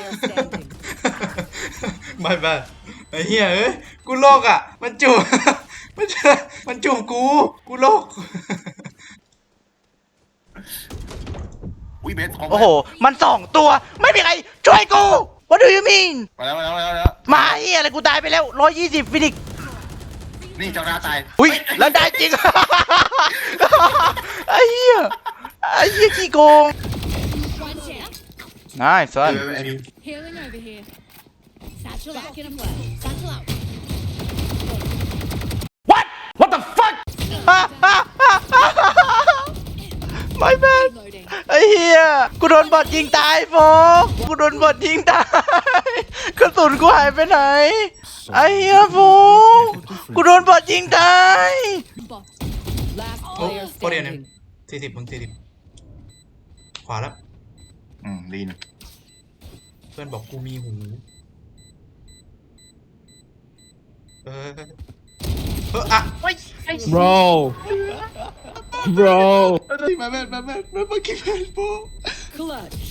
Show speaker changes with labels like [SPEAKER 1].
[SPEAKER 1] player standing.
[SPEAKER 2] ไม่ไอ้เหี้ยเอ้ยกูโลกอ่ะมันจูบ มันจูบกูโลก
[SPEAKER 3] อุ้ยเบสของ
[SPEAKER 4] โอ้โหมัน2 ตัวไม่มีใครช่วยกู What do you mean
[SPEAKER 3] มาแล้ว
[SPEAKER 4] มาเฮียอะไรกูตายไปแล้ว120ฟินิกซ์
[SPEAKER 3] นี่เจ้าหน้าตาย
[SPEAKER 4] อุ้ยแล้วได้จริง ไอ้เหี้ยขี้โกง
[SPEAKER 5] One down.
[SPEAKER 4] nice son
[SPEAKER 5] Healing over here. Satchel out. Get him low. Satchel out.
[SPEAKER 4] what the fuck my bad
[SPEAKER 5] Reloading.
[SPEAKER 4] ไอ้เหี้ยกูโดนบอทยิงตายโฟกกูโดนบอทยิงตายกระสุนกูหายไปไหนไอ้เหี้ยโฟกกูโดนบอทยิงตาย
[SPEAKER 5] Bot.
[SPEAKER 1] Last
[SPEAKER 2] โอ้
[SPEAKER 1] player
[SPEAKER 2] โคเรียนเนี่ย
[SPEAKER 1] standing.
[SPEAKER 2] 40มึง40ขวาแล้ว
[SPEAKER 3] ลีน
[SPEAKER 2] เพื่อนบอกกูมีหูอ่ะ
[SPEAKER 6] bro bro
[SPEAKER 2] มาแม่มาเมื่อกี้แม่โป๊
[SPEAKER 1] Clutch.